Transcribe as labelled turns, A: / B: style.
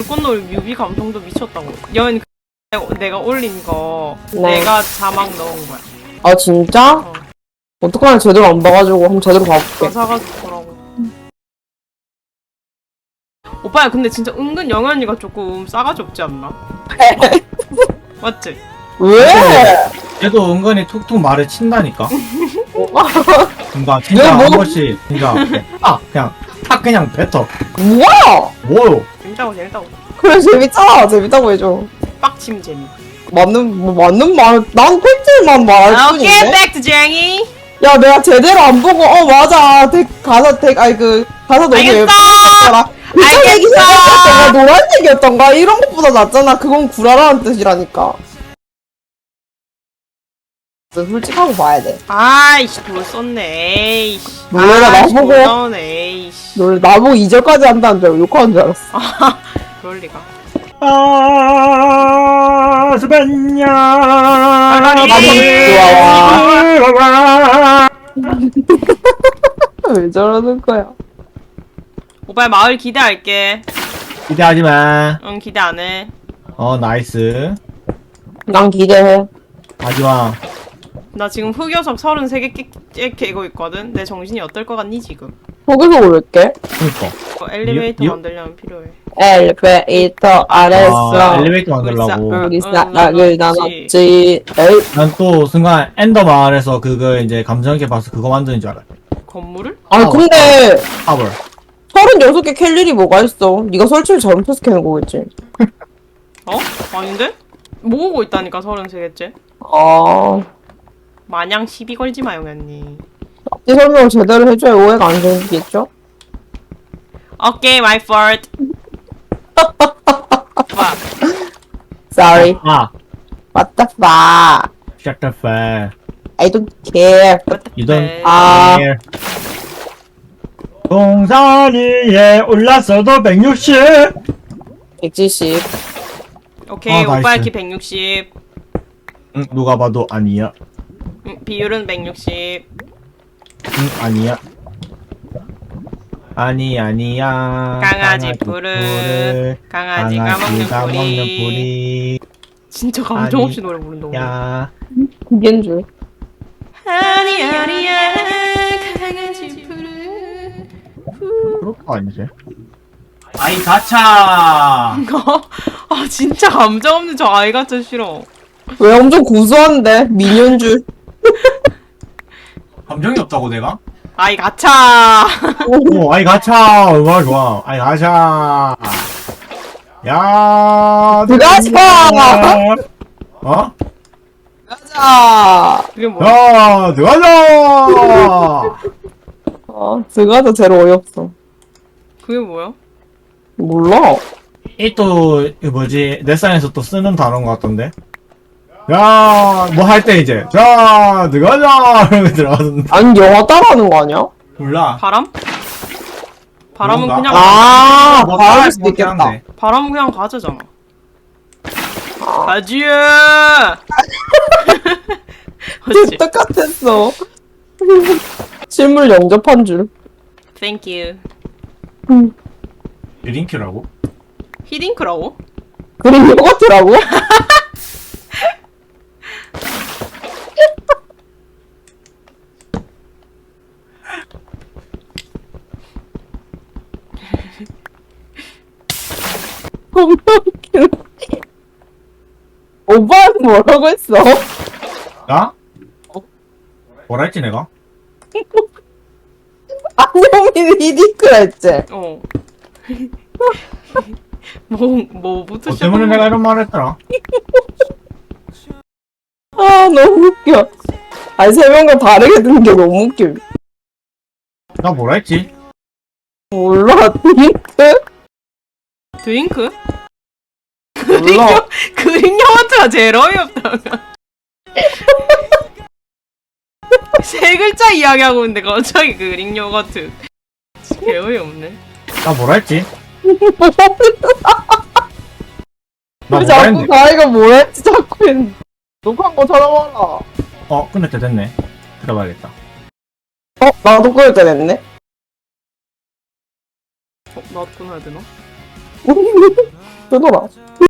A: 불꽃놀이 뮤비 감성도 미쳤다고. 내가 올린 거
B: 네.
A: 내가 자막 넣은 거야.
B: 아 진짜?
A: 어.
B: 어떡하나 제대로 안 봐가지고 한번 제대로 봐볼게.
A: 가사가 좋더라고. 오빠야 근데 진짜 은근 영현이가 조금 싸가지 없지 않나? 맞지?
B: 왜?
C: 얘도 은근히 툭툭 말을 친다니까. 뭔가
B: 얘
C: 진짜
B: 뭐-
C: 한 번씩 진짜 그냥 탁 그냥 뱉어.
B: 뭐야?
C: 뭐요?
A: 재밌다고.
B: 그래 재밌잖아. 재밌다고 해줘.
A: 빡침 재미.
B: 맞는 말. 난 팬들만 말할
A: 오케이,
B: 뿐인데.
A: 백트 쟁이.
B: 야 내가 제대로 안 보고 맞아. 가사 너무
A: 알겠어.
B: 예쁘더라.
A: 알겠어.
B: 내가 노란색이었던가 이런 것보다 낫잖아. 그건 구라라는 뜻이라니까. 솔직하고 봐야 돼.
A: 아이씨 돌 썼네. 에이씨.
B: 놀래라,
A: 아이씨,
B: 나보고.
A: 돌 나오네. 에이씨.
B: 너 나보고 2절까지 한다는 줄 알고 욕하는 줄 알았어.
A: 그럴 리가.
C: 스벤냐.
B: 왜 저러는 거야?
A: 오빠의 마을 기대할게.
C: 기대하지 마.
A: 응 기대 안 해.
C: 나이스.
B: 난 기대해.
C: 하지 마.
A: 나 지금 흑요석 33개 깨고 있거든. 내 정신이 어떨 것 같니 지금?
B: 거기서 올게.
C: 그니까.
A: 엘리베이터
C: 유-
A: 만들려면 필요해.
B: 엘리베이터 아래서
C: 엘리베이터 만들라고.
B: 우리
A: 응,
B: 사랑을 나눴지. 에이,
C: 난 또 순간 엔더 마을에서 그거 이제 감정 있게 봐서 그거 만드는 줄 알아.
A: 건물을?
B: 아니 근데
C: 파벌.
B: 36개 캘 일이 뭐가 있어? 네가 설치를 잘못해서 캐는 거겠지.
A: 어? 아닌데? 모으고 있다니까 33개째.
B: 아,
A: 마냥 시비 걸지 마 영현님.
B: 앞뒤 설명을 제대로 해줘야 오해가 안 생기겠죠?
A: 오케이 my fault. 와.
B: Sorry. What the fuck?
C: Shut the fuck.
B: I don't care.
A: what the
C: You don't
A: fuck.
B: 아.
C: care. 동산 위에 올랐어도 160.
B: 170.
A: 오케이
C: 아,
A: 오빠의
C: 나이스.
A: 키 160.
C: 응, 누가 봐도 아니야.
A: 비율은 160.
C: 응, 아니야. 아니야.
A: 강아지 푸르. 강아지가 먹는 뿌리. 진짜 감정 없이 노래 부른다.
C: 야.
B: 그게인 줄.
A: 아니야 강아지 푸르.
C: 그럴 거 아니지?
D: 아이 가차.
A: 아 진짜 감정 없는 저 아이가 진짜 싫어.
B: 왜 엄청 구수한데? 미녀인 줄.
D: 감정이 없다고 내가?
A: 아이 가차.
C: 오, 아이 가차. 얼마나 좋아. 아이 가차. 야.
B: 들어가자.
C: 어?
B: 가자.
A: 그게 뭐야?
C: 야, 들어가자.
B: 들어가자 제일 어이없어.
A: 그게 뭐야?
B: 몰라.
C: 이 또, 뭐지, 넷상에서 또 쓰는 단어인 것 같던데? 야, 뭐 할 때 이제, 자, 들어가자! 이러고 들어가던데.
B: 아니 영화 따라하는 거 아니야?
D: 몰라.
A: 바람? 바람은
D: 그런가?
A: 그냥
B: 아,
D: 뭐
B: 바람일
D: 따라
B: 수도 있겠다.
D: 생각하는데.
A: 바람은 그냥 가자잖아. 가지야. 맞지?
B: 똑같았어. 실물 영접한 줄.
A: Thank you.
C: 드링크라고?
A: 히딩크라고?
B: 그림 요거트라고? 겁나 웃기네. 오빠한테 뭐라고 했어?
C: 나? 뭐라 했지, 내가?
B: 안녕히 히딩크라 했지?
A: 어. 뭐부터
C: 뭐 때문에 내가 이런 말을 했더라?
B: 아 너무 웃겨. 아니 세 명과 다르게 듣는 게 너무 웃겨.
C: 나 뭐라 했지?
B: 몰라 히딩크?
A: 드링크?
B: 몰라.
A: 그린 영화트가 제일 어이없다. 세 글자 이야기하고 있는데 갑자기 그린 요거트. 개 어이없네.
C: 나 뭐라 했지? 나
B: 왜
C: 뭐라
B: 자꾸
C: 했는데?
B: 다이가 뭐라 했지 자꾸 했는데. 녹화한 거 찾아봐라.
C: 끝낼 때 됐네. 들어봐야겠다.
B: 나도 그럴 때 됐네.
A: 나도 끊어야 되나?
B: 되더라.